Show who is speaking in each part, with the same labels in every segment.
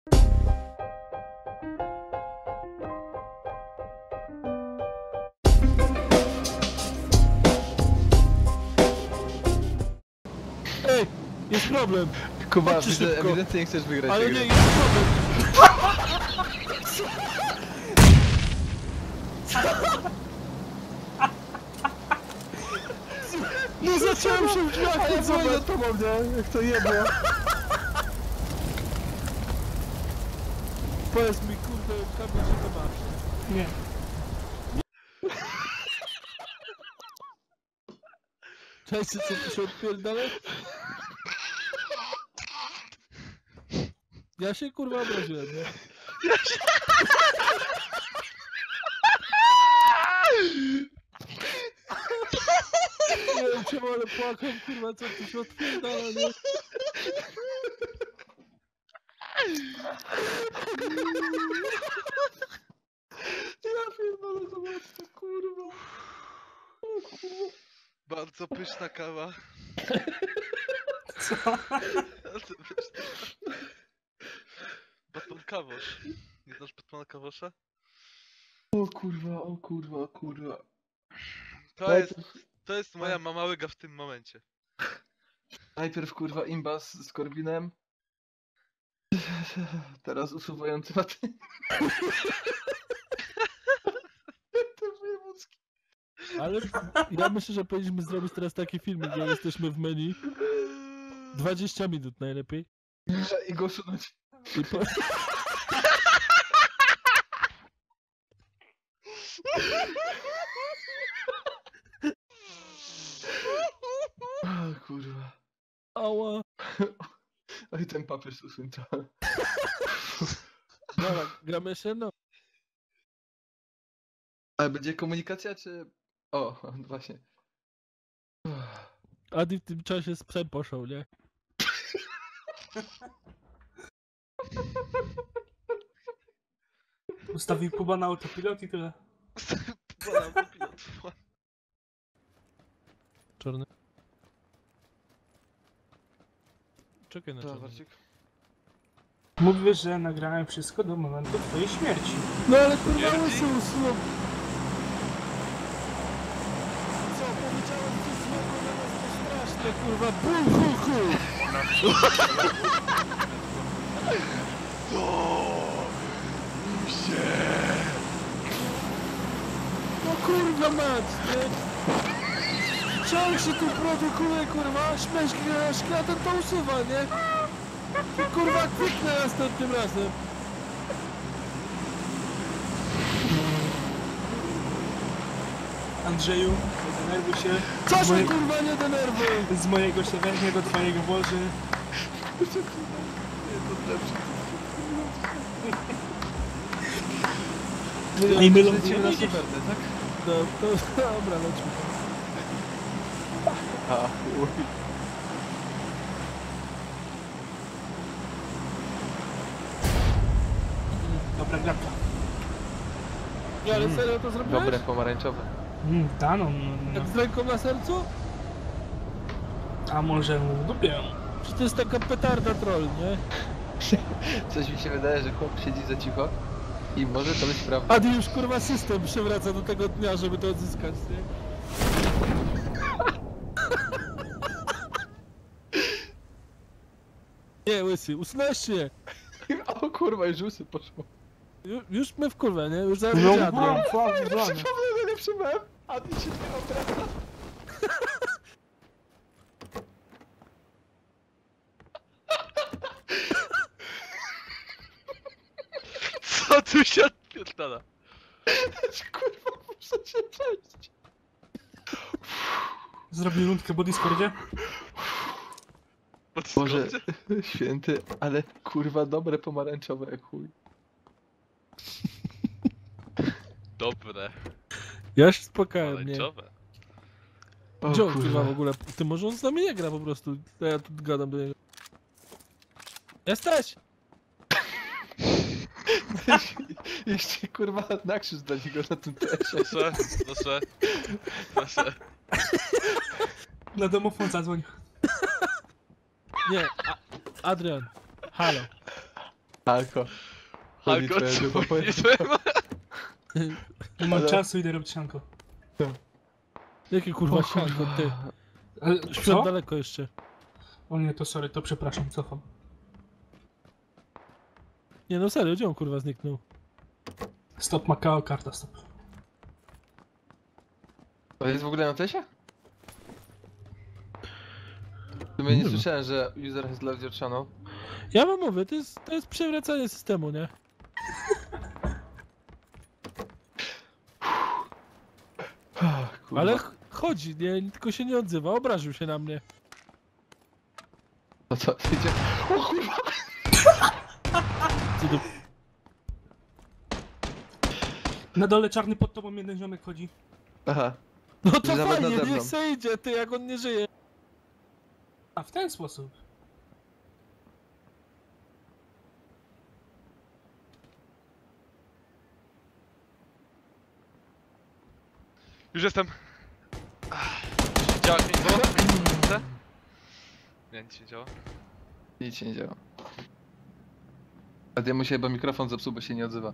Speaker 1: Ej, jest problem.
Speaker 2: Kuba,
Speaker 1: szybko.
Speaker 2: ewidentnie nie chcesz wygrać.
Speaker 1: Ale
Speaker 2: tej
Speaker 1: nie,
Speaker 2: gry.
Speaker 1: jest problem. No zacząłem się w drzwiach,
Speaker 2: A ja
Speaker 1: nie
Speaker 2: dzwonię
Speaker 1: zobacz.
Speaker 2: do tobą, nie? Jak to jebło.
Speaker 1: Powiedz mi, kurde, Kamil, że to masz.
Speaker 3: Nie.
Speaker 1: Cześć, co tu się odpierdala? Ja się kurwa obraziłem, nie? Nie wiem czemu, ale płakam, kurwa, co tu się odpierdala, nie?
Speaker 2: Ja pierdolę, zobacz to, kurwa.
Speaker 4: Bardzo pyszna kawa.
Speaker 3: Co?
Speaker 4: Bardzo pyszna. Batman Kawosz. Nie znasz Batmana Kawosza?
Speaker 2: O kurwa, o kurwa, o kurwa.
Speaker 4: To jest moja mama łyga w tym momencie.
Speaker 2: Najpierw kurwa imbas z Korwinem. Teraz usuwający maty. Te wojewódzkie.
Speaker 1: Ale ja myślę, że powinniśmy zrobić teraz taki film, gdzie jesteśmy w menu. 20 minut najlepiej.
Speaker 2: I go usunąć.
Speaker 1: I po...
Speaker 2: O kurwa.
Speaker 1: Ała.
Speaker 2: Oj, ten papież usuń to.
Speaker 1: Dobra, gramy się, no.
Speaker 2: Ale będzie komunikacja, czy... O, właśnie.
Speaker 1: Adi w tym czasie z psem poszł, nie?
Speaker 3: Ustawił Kuba na autopilot i tyle.
Speaker 1: Czarny. Czekaj na czarny.
Speaker 2: Warcik.
Speaker 3: Mówisz, że nagrałem wszystko do momentu twojej śmierci.
Speaker 1: No ale kurwa łysy usunął. Co, powiedziałem coś złego na nas, to straszne, kurwa, bum, hu, hu. No kurwa mać, nie? Ciąg się tu produkuje, kurwa, śmieszki a ten to usuwa, nie? I kurwa kwitnę następnym razem.
Speaker 3: Andrzeju, nie denerwuj się.
Speaker 1: Co
Speaker 3: Z
Speaker 1: się
Speaker 3: moje-
Speaker 1: kurwa nie denerwuj?
Speaker 3: Z mojego się weźmie, do twojego włoży. I mylą
Speaker 2: Lecimy
Speaker 3: się
Speaker 2: na
Speaker 3: idziesz.
Speaker 2: Syberdę, tak?
Speaker 1: No to dobra, lećmy.
Speaker 2: A, chuj.
Speaker 3: Dobra, grabka.
Speaker 1: Nie, ale serio to zrobiłeś?
Speaker 2: Dobre, pomarańczowe.
Speaker 3: Ta no.
Speaker 1: Jak z ręką na sercu?
Speaker 3: A może mu w dupie?
Speaker 1: Czy to jest taka petarda troll, nie?
Speaker 2: Coś mi się wydaje, że chłop siedzi za cicho i może to być prawda.
Speaker 1: Adi już kurwa system przywraca do tego dnia, żeby to odzyskać, nie? Nie, łysy, usunąłeś się!
Speaker 2: O kurwa, już łysy poszło.
Speaker 1: Już my w kurwę, nie? Już zaraz
Speaker 3: No,
Speaker 1: będzie Adrian.
Speaker 2: Przypomnę, nie przybyłem, a ty się nie obraca.
Speaker 4: Co tu się odpierdala?
Speaker 2: Kurwa, muszę się przejść.
Speaker 3: Zrobił rundkę po Discordzie?
Speaker 2: Boże, święty, ale kurwa dobre pomarańczowe jak chuj.
Speaker 4: Dobre.
Speaker 1: Ja się spokałem, nie?
Speaker 4: Pomarańczowe.
Speaker 2: O
Speaker 1: Gdzie on kurwa
Speaker 2: kurwa.
Speaker 1: w ogóle? Ty może on z nami nie gra po prostu. To ja tu gadam do niego. Jesteś!
Speaker 2: Jeszcze kurwa na krzyż dla niego na tym tesie.
Speaker 4: Proszę.
Speaker 3: Na domofon zadzwoń.
Speaker 1: Nie, Adrian. Halo.
Speaker 2: Halko. Chodzi
Speaker 4: Halko,
Speaker 2: twoja
Speaker 4: co
Speaker 2: dupa,
Speaker 4: mówisz swojemu?
Speaker 3: Nie mam
Speaker 2: Ale-
Speaker 3: czasu, idę robić sianko.
Speaker 1: Jakie kurwa sianko, ty?
Speaker 3: Ale
Speaker 1: Świąt
Speaker 3: co?
Speaker 1: daleko jeszcze.
Speaker 3: O nie, to sorry, to przepraszam, cofam.
Speaker 1: Nie no serio, gdzie on kurwa zniknął?
Speaker 3: Stop Macao, karta stop.
Speaker 2: To jest w ogóle na tesie? W sumie nie
Speaker 1: wiem.
Speaker 2: słyszałem, że user has left your channel.
Speaker 1: Ja wam mówię, to jest przewracanie systemu, nie?
Speaker 2: Kurwa.
Speaker 1: Ale chodzi, nie? Tylko się nie odzywa, obraził się na mnie.
Speaker 2: To co, idzie? O kurwa!
Speaker 1: Co to...
Speaker 3: Na dole czarny pod tobą jeden ziomek chodzi.
Speaker 2: Aha.
Speaker 1: No to
Speaker 2: Nawet
Speaker 1: fajnie,
Speaker 2: nade mną.
Speaker 1: niech se idzie, ty, jak on nie żyje.
Speaker 3: A, w ten sposób.
Speaker 4: Już jestem. Działa, nie było? Co? Nie, nic się nie działa.
Speaker 2: Nic się nie działa. A ja mu się chyba mikrofon zepsuł, bo się nie odzywa.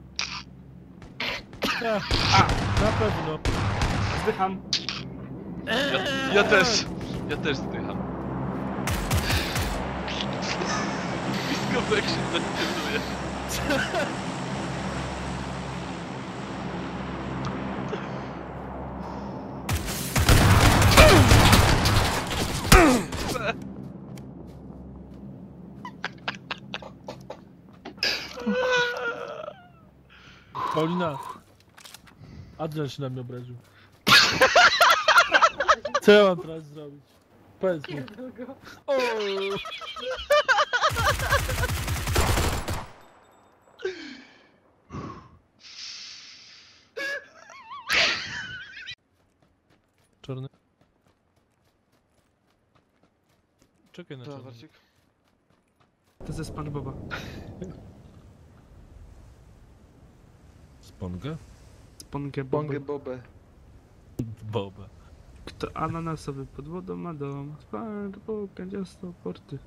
Speaker 1: Ja, na pewno.
Speaker 3: Zdycham.
Speaker 4: Ja też. Ja też zdycham. Blisko jak się zdecyduje.
Speaker 1: Paulina. Adrian się na mnie obraził. Co ja mam teraz zrobić? Powiedz mi. O! Czarny. Czekaj na
Speaker 2: Co,
Speaker 1: czarny.
Speaker 2: Warcik?
Speaker 3: To ze SpongeBoba.
Speaker 1: Spongę?
Speaker 2: Bongę bobę.
Speaker 1: Boba.
Speaker 3: Kto ananasowy pod wodą ma dom. SpongeBob, kanciasto, porty.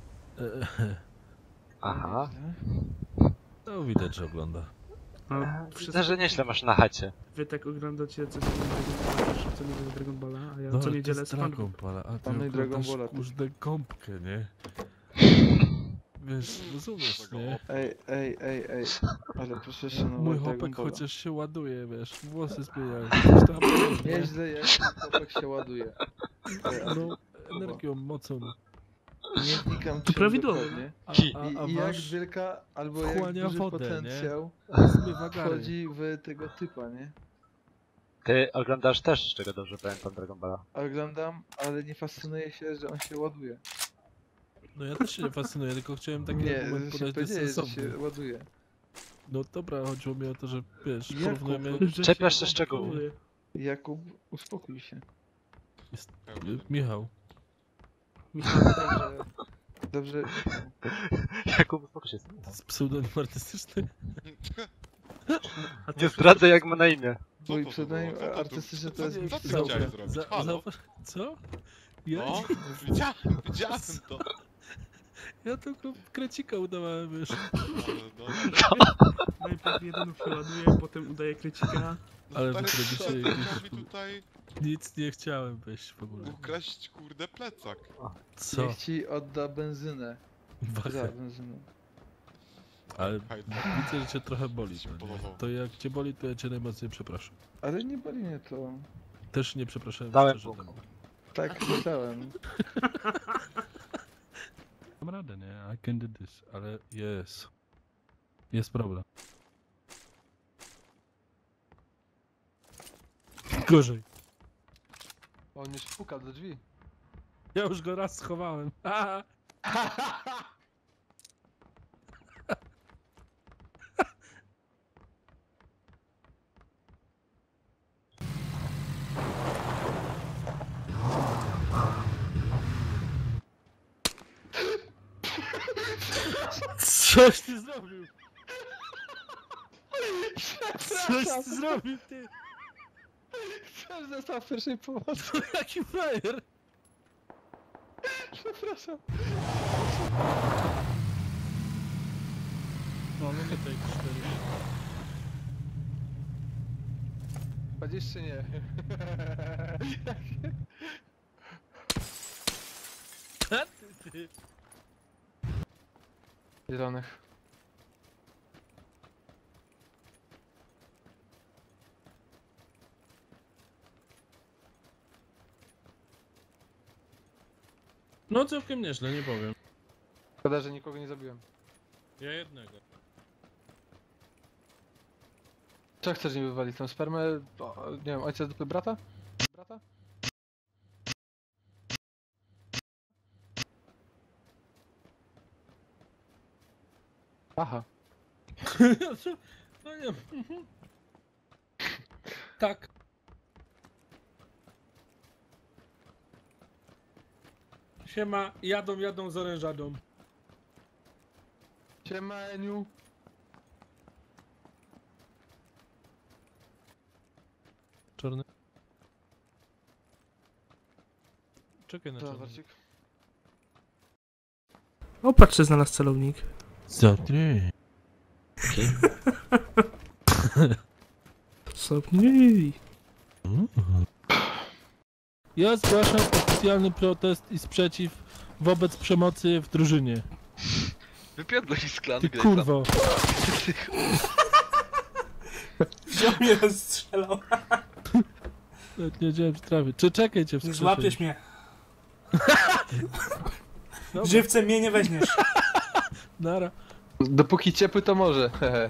Speaker 5: Aha.
Speaker 1: No widać, że ogląda.
Speaker 3: A
Speaker 5: Widzę, że nieźle masz na chacie.
Speaker 3: wy tak oglądacie co nie Dragon Balla, a ja
Speaker 1: No,
Speaker 3: co
Speaker 1: ale
Speaker 3: niedzielę
Speaker 1: to jest
Speaker 3: SpongeBob.
Speaker 1: Dragon Ball, a ty
Speaker 2: Pan i Dragon
Speaker 1: oglądasz
Speaker 2: Balla, ty.
Speaker 1: kurde gąbkę, nie? Wiesz, rozumiesz, nie?
Speaker 2: Ej. Ale proszę się no
Speaker 1: Mój
Speaker 2: Dragon
Speaker 1: chłopak
Speaker 2: Balla.
Speaker 1: chociaż się ładuje, wiesz, włosy zmieniają. Coś tam, nie?
Speaker 2: Nieźle jak chłopak się ładuje.
Speaker 1: No, energią, mocą.
Speaker 2: Nie wnikam
Speaker 3: To
Speaker 2: czym
Speaker 3: prawidłowo.
Speaker 2: dokładnie.
Speaker 1: A
Speaker 2: I jak
Speaker 1: wasz
Speaker 2: wielka albo jak
Speaker 1: wchłania
Speaker 2: duży
Speaker 1: wodę,
Speaker 2: potencjał
Speaker 1: zmywa gary.
Speaker 2: wchodzi w tego typa, nie?
Speaker 5: Ty oglądasz też, z czego dobrze pamiętam, Dragon Balla.
Speaker 2: Oglądam, ale nie fascynuje się, że on się ładuje.
Speaker 1: No ja też się nie fascynuję, tylko chciałem taki
Speaker 2: Nie,
Speaker 1: argument
Speaker 2: że się
Speaker 1: podać
Speaker 2: powiedziałeś, że
Speaker 1: bezsensowny.
Speaker 2: się ładuje.
Speaker 1: No dobra, chodziło mi o to, że wiesz,
Speaker 2: Jakub,
Speaker 1: porównujemy...
Speaker 5: Czepiasz się szczegółów.
Speaker 2: Jakub, uspokój się.
Speaker 1: Michał.
Speaker 2: Dobrze, dobrze.
Speaker 5: Jakub, uspokój się.
Speaker 1: To jest pseudonim artystyczny?
Speaker 5: Nie zdradzę, jak ma na imię.
Speaker 2: Mój
Speaker 6: to
Speaker 2: pseudonim
Speaker 6: było? Co to
Speaker 2: artystyczny to
Speaker 6: było?
Speaker 2: jest
Speaker 6: Co
Speaker 2: Michał.
Speaker 6: ty chciałeś zrobić? Halo?
Speaker 1: Co? Ja,
Speaker 6: No, widziałem to.
Speaker 1: ja tylko krecika udawałem, wiesz.
Speaker 6: Ale no,
Speaker 3: Najpierw jeden się ładuje, potem udaje krycika.
Speaker 1: Ale
Speaker 6: stary,
Speaker 1: wy robicie
Speaker 6: co,
Speaker 1: jakieś-
Speaker 6: chciał mi tutaj
Speaker 1: Nic nie chciałem weź w ogóle.
Speaker 6: ukraść, kurde, plecak.
Speaker 1: Co?
Speaker 2: Niech ci odda benzynę. Za
Speaker 1: Wachę.
Speaker 2: benzynę.
Speaker 1: Ale
Speaker 6: Hajda.
Speaker 1: widzę, że cię trochę boli.
Speaker 6: Się
Speaker 1: No, nie?
Speaker 6: podobało.
Speaker 1: To jak cię boli, to ja cię najmocniej przepraszam.
Speaker 2: Ale nie boli mnie to.
Speaker 1: Też nie przepraszałem
Speaker 5: Dałem
Speaker 1: szczerze
Speaker 5: punkt.
Speaker 1: temu.
Speaker 2: Tak myślałem.
Speaker 1: Mam radę, nie? I can do this, ale jest. Jest problem. Gorzej.
Speaker 2: On już puka do drzwi.
Speaker 1: Ja już go raz schowałem. Coś ty zrobił! Coś ty zrobił, ty!
Speaker 2: Chciałem został w pierwszej pomocy.
Speaker 1: Jaki frajer!
Speaker 2: Przepraszam.
Speaker 1: No tutaj 4.
Speaker 2: Chodzisz czy nie?
Speaker 1: Ty.
Speaker 2: Zielonych.
Speaker 1: No całkiem nieźle, nie powiem.
Speaker 2: Szkoda, że nikogo nie zabiłem.
Speaker 1: Ja jednego.
Speaker 2: Co chcesz mi wywalić? Tą spermę? O, nie wiem, ojca z dupy brata? Brata? Aha.
Speaker 1: No nie. Tak. Siema, jadą z orężadą.
Speaker 2: Siema, Eniu.
Speaker 1: Czarny. Czekaj na
Speaker 2: Co,
Speaker 1: czarny.
Speaker 2: Warcik?
Speaker 3: O, patrzcie, znalazł celownik.
Speaker 1: Co ty?
Speaker 3: Sobie.
Speaker 1: Ja zgłaszam oficjalny protest i sprzeciw wobec przemocy w drużynie.
Speaker 4: Wypierdol i sklan,
Speaker 1: Ty
Speaker 4: Grayson.
Speaker 1: kurwo.
Speaker 3: Wziął mnie rozstrzelał.
Speaker 1: Nawet nie wiedziałem, że trafię. Czy czekaj cię w
Speaker 3: Nie
Speaker 1: skrzydle.
Speaker 3: złapiesz mnie.
Speaker 1: Dobra.
Speaker 3: Żywcem mnie nie weźmiesz.
Speaker 1: Nara.
Speaker 2: Dopóki ciepły to może. Hehe.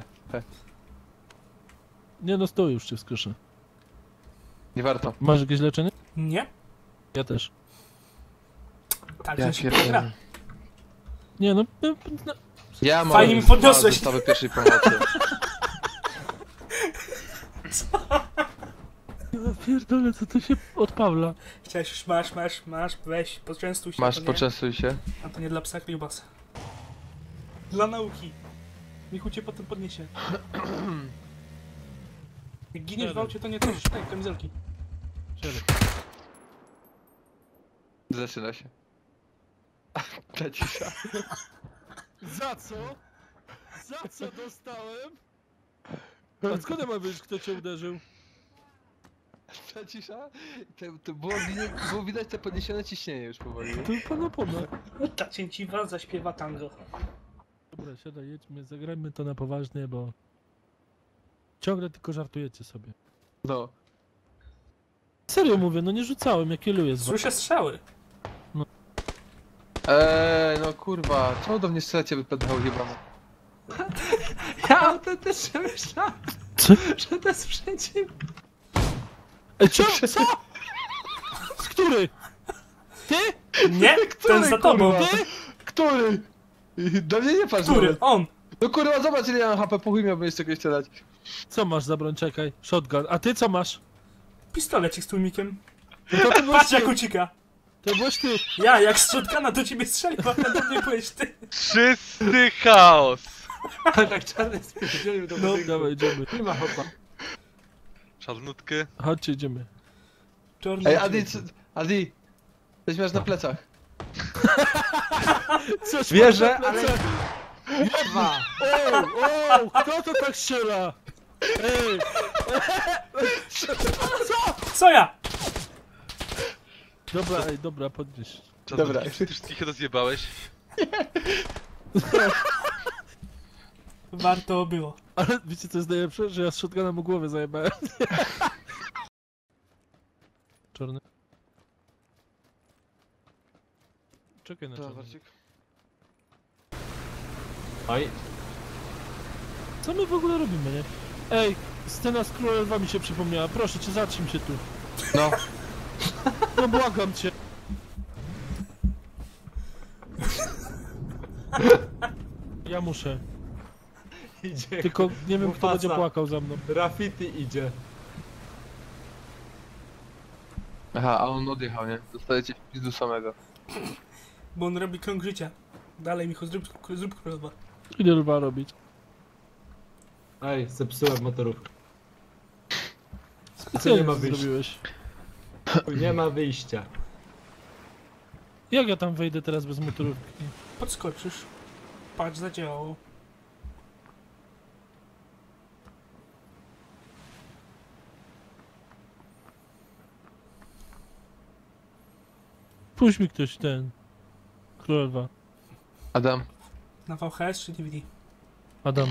Speaker 1: Nie no, stój już cię wskrzszę.
Speaker 2: Nie warto.
Speaker 1: Masz jakieś leczenie?
Speaker 3: Nie?
Speaker 1: Ja też.
Speaker 3: Tak,
Speaker 2: Ja
Speaker 3: że się gra.
Speaker 2: pierdolę.
Speaker 1: Nie no,
Speaker 2: Ja mam
Speaker 3: Fajnie mi podniosłeś.
Speaker 2: zestawę pierwszej pomocy.
Speaker 1: ja pierdolę, co to się od Pawła.
Speaker 3: Chciałeś już, masz, weź, poczęstuj się.
Speaker 2: Masz,
Speaker 3: to nie-
Speaker 2: poczęstuj się.
Speaker 3: A to nie dla psa kliubasa. Dla nauki. Michu cię potem podniesie. Jak giniesz w aucie, to nie też tej kamizelki.
Speaker 1: Siadaj.
Speaker 2: Zaczyna się. Ta cisza.
Speaker 1: Za co? Za co dostałem? A skąd ja mam wiedzieć, kto cię uderzył?
Speaker 2: Ta cisza? To było widać te podniesione ciśnienie już powoli.
Speaker 1: To pana pona.
Speaker 3: Ta cięciwa zaśpiewa tango.
Speaker 1: Dobra, siadaj, jedźmy, zagrajmy to na poważnie, bo... Ciągle tylko żartujecie sobie.
Speaker 2: No.
Speaker 1: Serio mówię, no nie rzucałem, ja kieluję z was.
Speaker 3: Słyszę strzały.
Speaker 2: No kurwa, czemu do mnie strzelacie wypadało jebane?
Speaker 5: Ja o tym też myślałem,
Speaker 1: Co?
Speaker 5: że to jest przeciw.
Speaker 1: Ej, co? Co? Z który? Ty?
Speaker 3: Nie? Ten za tobą.
Speaker 2: kurwa?
Speaker 1: Ty?
Speaker 2: Który? Do mnie nie patrz,
Speaker 3: Który?
Speaker 2: Robert.
Speaker 3: On.
Speaker 2: No kurwa, zobacz ile ja mam HP, po chuj miałbym jeszcze kogoś strzelać.
Speaker 1: Co masz za broń? Czekaj, shotgun. A ty co masz?
Speaker 3: Pistolecik z tłumikiem.
Speaker 1: No to byłeś
Speaker 3: Patrz
Speaker 1: ty.
Speaker 3: jak ucieka.
Speaker 1: To byłeś ty.
Speaker 3: Ja, jak z shotguna do ciebie strzelił, a do mnie byłeś ty.
Speaker 4: Czysty chaos!
Speaker 5: Tak czarny spierdzielił do
Speaker 1: No,
Speaker 5: budynku.
Speaker 1: dawaj, idziemy.
Speaker 5: Nie ma hopa.
Speaker 4: Czarnutki.
Speaker 1: Chodźcie, idziemy.
Speaker 3: Czarny
Speaker 2: Ej,
Speaker 3: uciek.
Speaker 2: Adi, coś masz na plecach.
Speaker 1: Coś
Speaker 5: Wierzę,
Speaker 1: masz na
Speaker 5: ale...
Speaker 1: plecach.
Speaker 5: Dwa.
Speaker 1: O, kto to tak strzela? Ej,
Speaker 3: Co ja?
Speaker 1: dobra, podnieś.
Speaker 2: Dobra.
Speaker 4: Czarnutki, ty wszystkich rozjebałeś.
Speaker 3: Warto było.
Speaker 1: Ale wiecie co jest najlepsze? Że ja z shotguna mu głowę zajebałem. Czarny. Czekaj na
Speaker 2: Co,
Speaker 1: czarny.
Speaker 2: Warcik?
Speaker 5: Oj,
Speaker 1: Co my w ogóle robimy, nie? Ej, scena z Królewami mi się przypomniała. Proszę cię, zatrzym się tu.
Speaker 2: No.
Speaker 1: No błagam cię. Ja muszę.
Speaker 5: idzie.
Speaker 1: Tylko nie wiem, kto
Speaker 5: Mufasa.
Speaker 1: będzie płakał za mną.
Speaker 5: Graffiti idzie.
Speaker 2: Aha, a on odjechał, nie? Dostajecie w pizdu samego.
Speaker 3: Bo on robi krąg życia. Dalej, Michu, zrób królowa.
Speaker 1: Ile lwa robić?
Speaker 5: Ej, zepsułem motorówkę.
Speaker 1: Co
Speaker 5: nie ma
Speaker 1: ty
Speaker 5: wyjścia.
Speaker 1: zrobiłeś?
Speaker 5: Nie ma wyjścia.
Speaker 1: Jak ja tam wejdę teraz bez motorówki?
Speaker 3: Podskoczysz. Patrz, zadziałało.
Speaker 1: Puść mi ktoś ten. Królowa.
Speaker 2: Adam,
Speaker 3: Na VHS czy DVD?
Speaker 1: Adam.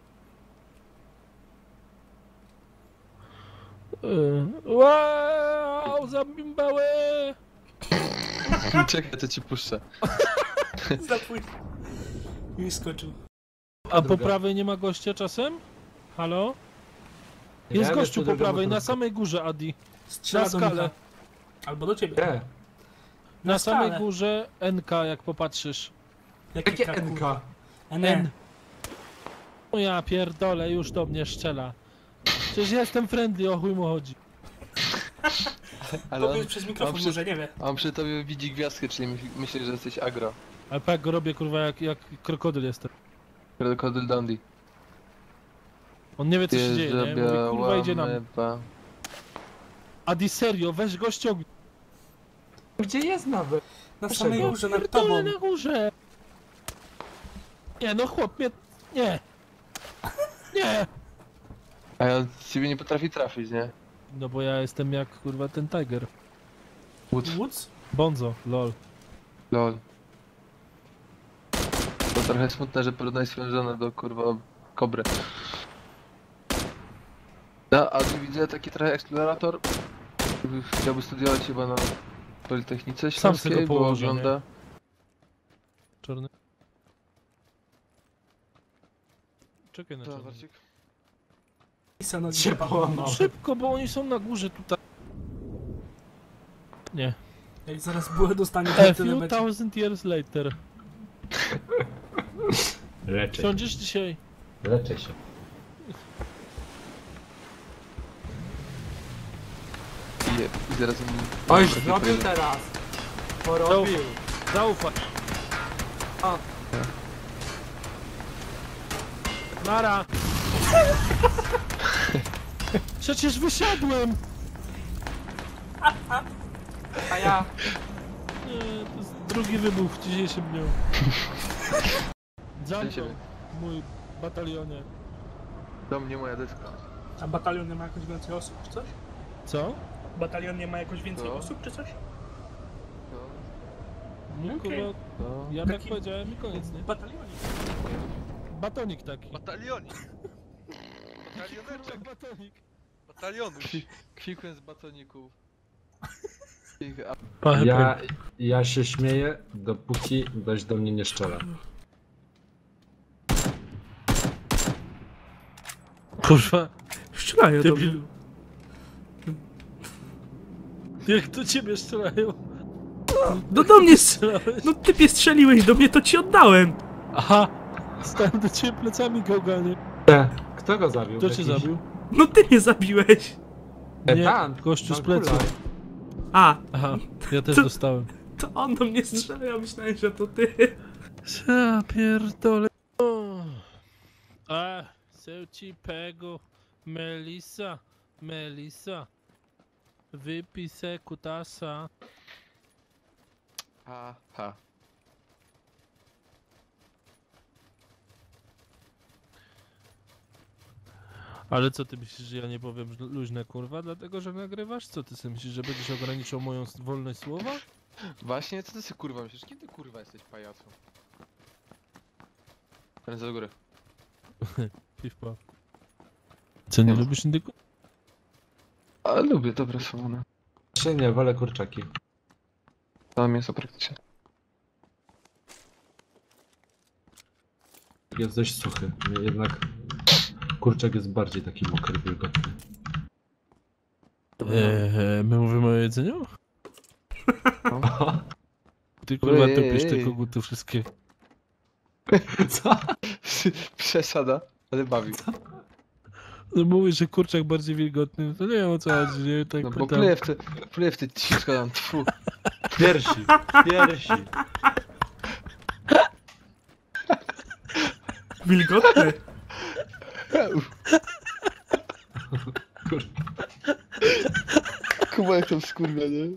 Speaker 1: Wow, zabimbały!
Speaker 2: czekaj, to ci puszczę.
Speaker 3: Zapój. Mi skoczył.
Speaker 1: A po prawej nie ma gościa czasem? Halo? Jest gościu po prawej, na samej górze, Adi.
Speaker 3: Strzela
Speaker 1: Na
Speaker 3: do
Speaker 1: skalę.
Speaker 3: Micha. Albo do ciebie.
Speaker 7: Nie.
Speaker 1: Na samej
Speaker 3: skalę.
Speaker 1: górze NK, jak popatrzysz.
Speaker 7: Jakie
Speaker 3: K,
Speaker 7: NK?
Speaker 3: kurwa?
Speaker 1: N.
Speaker 3: N.
Speaker 1: O ja pierdolę, już do mnie strzela. Przecież ja jestem friendly, o chuj mu chodzi.
Speaker 2: Ale
Speaker 3: Powiedz przez mikrofon,
Speaker 2: przy-
Speaker 3: może nie wie.
Speaker 2: on przy tobie widzi gwiazdkę, czyli myśli, że jesteś agro.
Speaker 1: Ale tak go robię, kurwa, jak krokodyl jestem.
Speaker 2: Krokodyl Dundee.
Speaker 1: On nie wie, co się dzieje, nie? Mówi, kurwa, idzie nam.
Speaker 2: meba.
Speaker 1: Adi, serio, weź go ściągnij.
Speaker 7: Gdzie jest nawet?
Speaker 3: Na samej
Speaker 7: Czego?
Speaker 3: górze, nad
Speaker 1: Pierdolę
Speaker 3: tobą.
Speaker 1: na górze. Nie, no chłop mnie... Nie. Nie.
Speaker 2: A ja ciebie nie potrafi trafić, nie?
Speaker 1: No bo ja jestem jak, kurwa, ten Tiger.
Speaker 2: Wód.
Speaker 3: Woods?
Speaker 1: Bonzo, lol.
Speaker 2: Lol. To trochę smutne, że porównaj swoją żonę do kurwa kobry. No, a tu widzę taki trochę eksplorator. Chciałby studiować chyba na Politechnice
Speaker 1: Sam sobie
Speaker 2: Śląskiej,
Speaker 1: go
Speaker 2: bo
Speaker 1: położę,
Speaker 2: ogląda.
Speaker 1: Czarny. Czekaj na
Speaker 2: To,
Speaker 1: czarny.
Speaker 2: Warcik.
Speaker 3: Pisa no
Speaker 7: Się połamał.
Speaker 1: Szybko, bo oni są na górze tutaj. Nie.
Speaker 3: Jak zaraz bułę dostanie,
Speaker 1: A
Speaker 3: to tyle
Speaker 1: few
Speaker 3: będzie.
Speaker 1: thousand years later.
Speaker 7: Leczę się.
Speaker 1: Sądzisz dzisiaj?
Speaker 7: Leczę się.
Speaker 2: I zaraz mi...
Speaker 7: Oj, zrobił teraz. Porobił.
Speaker 1: Zaufaj.
Speaker 7: A.
Speaker 1: Nara. Przecież wysiadłem.
Speaker 7: A ja.
Speaker 1: Nie, to jest drugi wybuch w dzisiejszym dniu. Zamknął,
Speaker 2: siebie.
Speaker 1: mój batalionie.
Speaker 2: Do mnie moja deska.
Speaker 3: A batalion nie ma jakoś więcej osób, czy coś?
Speaker 1: Co?
Speaker 3: Batalion nie ma jakoś więcej
Speaker 2: Co?
Speaker 3: osób, czy coś?
Speaker 1: No,
Speaker 3: Okej.
Speaker 1: kurwa,
Speaker 2: No.
Speaker 1: ja tak
Speaker 3: Taki-
Speaker 1: powiedziałem i koniec, nie?
Speaker 3: Batalionik.
Speaker 1: Batonik taki.
Speaker 4: Batalionik. Batalioneczek.
Speaker 1: Batonik.
Speaker 4: Batalionuś.
Speaker 2: Kwikłem z batoników.
Speaker 7: Ja się śmieję, dopóki ktoś do mnie nie strzela.
Speaker 1: Kurwa,
Speaker 3: Strzelają do mnie.
Speaker 1: debilu. Jak do ciebie strzelają?
Speaker 3: No do mnie
Speaker 1: Strzelałeś?
Speaker 3: No typie strzeliłeś do mnie, to ci oddałem.
Speaker 1: Aha! Stałem do ciebie plecami, gałganie.
Speaker 7: Kto go zabił?
Speaker 1: Kto cię
Speaker 7: Jakiś-
Speaker 1: zabił?
Speaker 3: No ty mnie zabiłeś.
Speaker 1: Nie,
Speaker 7: Tam,
Speaker 1: gościu z
Speaker 7: tam
Speaker 1: pleców.
Speaker 7: kula.
Speaker 3: A,
Speaker 1: Aha, ja też
Speaker 3: Co?
Speaker 1: dostałem.
Speaker 3: to on do mnie strzela, ja myślałem, że to ty.
Speaker 1: Ja pierdolę. A, se ci pego. Melisa, Melisa. Wypij se kutasa.
Speaker 2: Aha.
Speaker 1: Ale co ty myślisz, że ja nie powiem luźne kurwa, dlatego że nagrywasz? Co ty sobie myślisz, że będziesz ograniczał moją wolność słowa?
Speaker 2: Właśnie, co ty sobie kurwa myślisz? Kiedy kurwa jesteś pajacu? Ręce do góry.
Speaker 1: Piw-paw. Co, nie
Speaker 2: Nie.
Speaker 1: lubisz indyku?
Speaker 2: A lubię dobre słowa.
Speaker 7: Czy nie, wolę kurczaki.
Speaker 2: To mięso praktycznie.
Speaker 7: Jest dość suchy. Jednak kurczak jest bardziej taki mokry, wilgotny.
Speaker 1: My mówimy o jedzeniu? Ty kurwa
Speaker 2: Ej,
Speaker 1: topisz
Speaker 2: ej,
Speaker 1: te
Speaker 2: ej.
Speaker 1: koguty wszystkie.
Speaker 7: Co?
Speaker 2: Przesada, ale bawi.
Speaker 1: No mówisz, że kurczak bardziej wilgotny, to nie wiem o co chodzi, nie? Tak
Speaker 2: No bo
Speaker 1: pytam.
Speaker 2: pluję w te cisko tam, tfu.
Speaker 7: Piersi. Piersi.
Speaker 3: Wilgotny.
Speaker 2: Kuba jak tam skurwia, nie?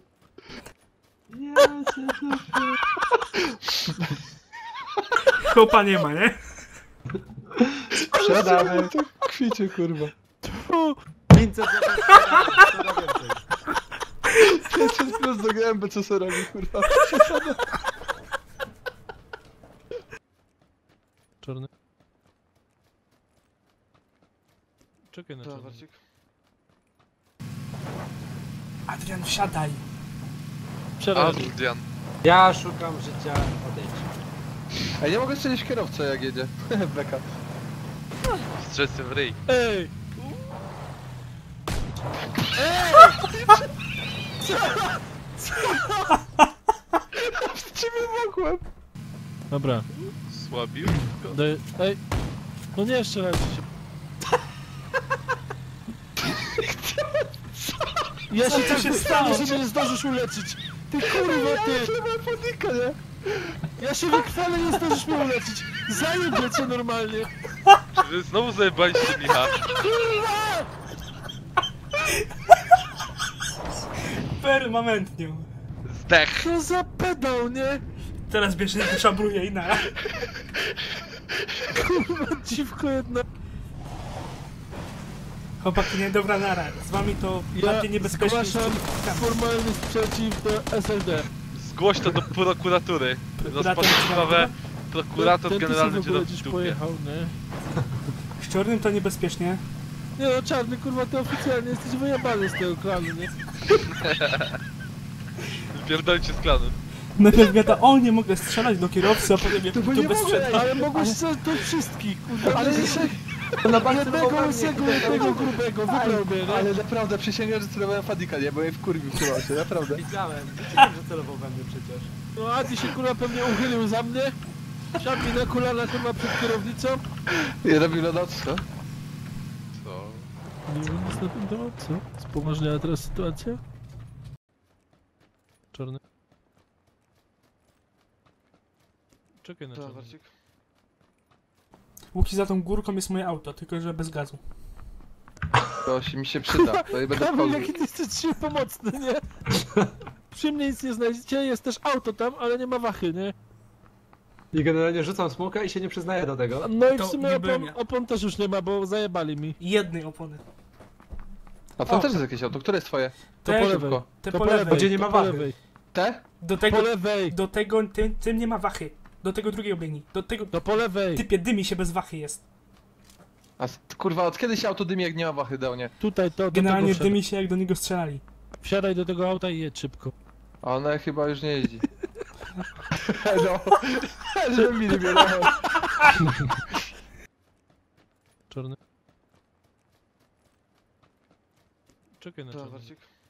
Speaker 3: Chłopa nie ma, nie?
Speaker 7: Sprzedamy.
Speaker 2: Kwicie kurwa.
Speaker 1: O,
Speaker 7: 500 zł sprzedamy. Co da więcej?
Speaker 2: Przed chwilą do gęby, co sobie robi, kurwa.
Speaker 1: Czarny. Czekaj na
Speaker 2: To,
Speaker 1: czarny.
Speaker 2: Warcik.
Speaker 3: Adrian, wsiadaj.
Speaker 1: Przerwę.
Speaker 4: Adrian.
Speaker 5: Ja szukam życia, odejdź.
Speaker 2: A nie mogę strzelić kierowcę jak jedzie. Beka.
Speaker 4: Strzesy w ryj.
Speaker 1: Ej!
Speaker 2: Z ciebie mogłem.
Speaker 1: Dobra,
Speaker 4: Słabił.
Speaker 1: ej! No nie strzelajcie się. Ja się
Speaker 3: Co
Speaker 1: tak
Speaker 3: się
Speaker 1: wychwalę,
Speaker 3: stało?
Speaker 1: że mnie nie zdążysz uleczyć. Ty kurwa, ty!
Speaker 2: Panika, nie?
Speaker 1: Ja się wychwalę, nie zdążysz mnie uleczyć. Zajebie cię normalnie.
Speaker 4: Czy wy znowu zajebaliście Micha?
Speaker 3: Permanentnie.
Speaker 4: Zdech.
Speaker 1: Co za pedał, nie?
Speaker 3: Teraz bierze szabruje i na.
Speaker 1: Kurwa, dziwko jedna.
Speaker 3: Chłopaki, nie, dobra nara. Z wami to
Speaker 1: Ja
Speaker 3: bardziej niebezpiecznie.
Speaker 1: zgłaszam formalny sprzeciw do SLD.
Speaker 4: Zgłoś to do prokuratury.
Speaker 3: Prokurator
Speaker 4: Rozpocząć sprawę. Prokurator
Speaker 1: Ten
Speaker 4: generalny
Speaker 1: ty
Speaker 4: cię
Speaker 1: sobie w
Speaker 4: do
Speaker 1: ogóle dziś
Speaker 4: dupie.
Speaker 1: pojechał, nie?
Speaker 3: Z czarnym to niebezpiecznie.
Speaker 1: Nie no, czarny, kurwa, ty oficjalnie jesteś wyjebany z tego klanu, nie?
Speaker 4: Pierdolcie z klanem.
Speaker 3: Najpierw gada, o nie mogę strzelać do kierowcy, a potem jak
Speaker 1: Bo
Speaker 3: to
Speaker 1: nie
Speaker 3: bez
Speaker 1: mogę,
Speaker 3: sprzętu.
Speaker 1: ale mogłeś strzelać do wszystkich, kurwa. Ale jeszcze
Speaker 2: Na
Speaker 1: jednego łysego, jednego grubego, wybrał mnie, nie?
Speaker 2: Ale naprawdę, przysięgam, że celowałem Fadika, nie? Bo mnie wkurwił chyba się, naprawdę.
Speaker 5: Widziałem, że celował we mnie przecież.
Speaker 1: No Adi się kurwa pewnie uchylił za mnie. Siadł mi na kolana kurwa przed kierownicą.
Speaker 2: I robił na noc, co?
Speaker 4: Co?
Speaker 1: Nie wiem nic na ten temat, co? Spoważniała teraz sytuacja? Czarny. Czekaj na
Speaker 2: To,
Speaker 1: czarny.
Speaker 2: Warcik.
Speaker 3: Łuki, za tą górką jest moje auto, tylko że bez gazu.
Speaker 2: To się mi się przyda, to nie będę
Speaker 1: Kamil,
Speaker 2: wchodził.
Speaker 1: jaki ty jesteś dzisiaj pomocny, nie? Przy mnie nic nie znajdziecie, jest też auto tam, ale nie ma wachy, nie?
Speaker 5: I generalnie rzucam smoka i się nie przyznaję do tego.
Speaker 1: No i w
Speaker 3: To
Speaker 1: sumie
Speaker 3: nie byłem
Speaker 1: opon,
Speaker 3: ja.
Speaker 1: opon też już nie ma, bo zajebali mi.
Speaker 3: Jednej opony.
Speaker 2: A to
Speaker 3: O.
Speaker 2: też jest jakieś auto, które jest twoje?
Speaker 1: To
Speaker 3: Te-
Speaker 1: po lewej.
Speaker 3: Te
Speaker 1: To
Speaker 3: po
Speaker 1: po
Speaker 3: lewej.
Speaker 1: lewej.
Speaker 5: Gdzie nie ma
Speaker 1: to po
Speaker 5: wachy.
Speaker 1: lewej.
Speaker 2: Te?
Speaker 3: Do
Speaker 1: Po
Speaker 3: tego,
Speaker 1: lewej.
Speaker 3: do tego, tym nie ma wachy. Do tego drugiego biegnij. Do tego,
Speaker 1: To po lewej.
Speaker 3: typie, dymi się bez wachy jest.
Speaker 2: A kurwa, od kiedy się auto dymi, jak nie ma wachy dał, nie?
Speaker 1: Tutaj to, do
Speaker 3: Generalnie
Speaker 1: tego wsiadaj.
Speaker 3: dymi się jak do niego strzelali.
Speaker 1: Wsiadaj do tego auta i jedź szybko.
Speaker 2: A ona chyba już nie jeździ. No, żeby mi nie bierało.
Speaker 1: Czarny. Czekaj na
Speaker 2: To,
Speaker 1: czarny.
Speaker 2: Warcik.